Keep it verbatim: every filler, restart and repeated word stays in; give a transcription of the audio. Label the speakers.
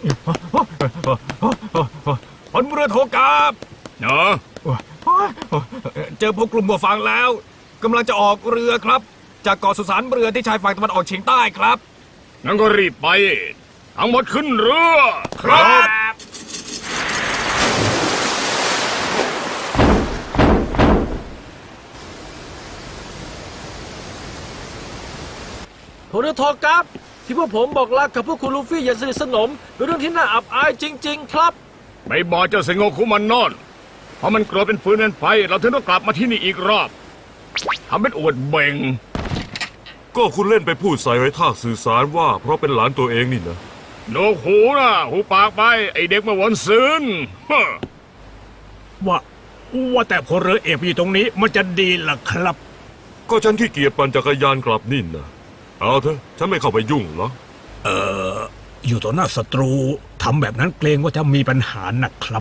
Speaker 1: พลเรือโทกาบ
Speaker 2: เนาะ
Speaker 1: เจอพวกกลุ่มบัวฟางแล้วกำลังจะออกเรือครับ จากเกาะสุสานเรือที่ชายฝั่งตะวันออกเฉียงใต้ครับ
Speaker 2: งั้นก็รีบไป ทั้งหมดขึ้นเรือ
Speaker 1: ครับ
Speaker 3: ผมเรือทอกับ ที่พวกผมบอกรักกับพวกคุณลูฟี่อย่างสนิทสนมเป็นเรื่องที่น่าอับอายจริง ๆ ครับ
Speaker 2: ไม่บอกเจ้าเซงโงคุมันนอน เพราะมันโกรธเป็นฟืนเป็นไฟ เราถึงต้องกลับมาที่นี่อีกรอบทำเป็นอวดเบ่ง
Speaker 4: ก็คุณเล่นไปพูดใส่ไว้ท่าสื่อสารว่าเพราะเป็นหลานตัวเองนี่นะ
Speaker 2: โนหูนะหูปากไป ไอเด็กมาวนซืนฮะ
Speaker 5: ว่าว่าแต่พลเรือเอกอยู่ตรงนี้มันจะดีล่ะครับ
Speaker 4: ก็ฉันขี้เกียจปั่นจักรยานกลับนี่นะเอาเถอะฉันไม่เข้าไปยุ่งหรอก
Speaker 5: เอออยู่ต่อหน้าศัตรูทำแบบนั้นเกรงว่าจะมีปัญหานะครับ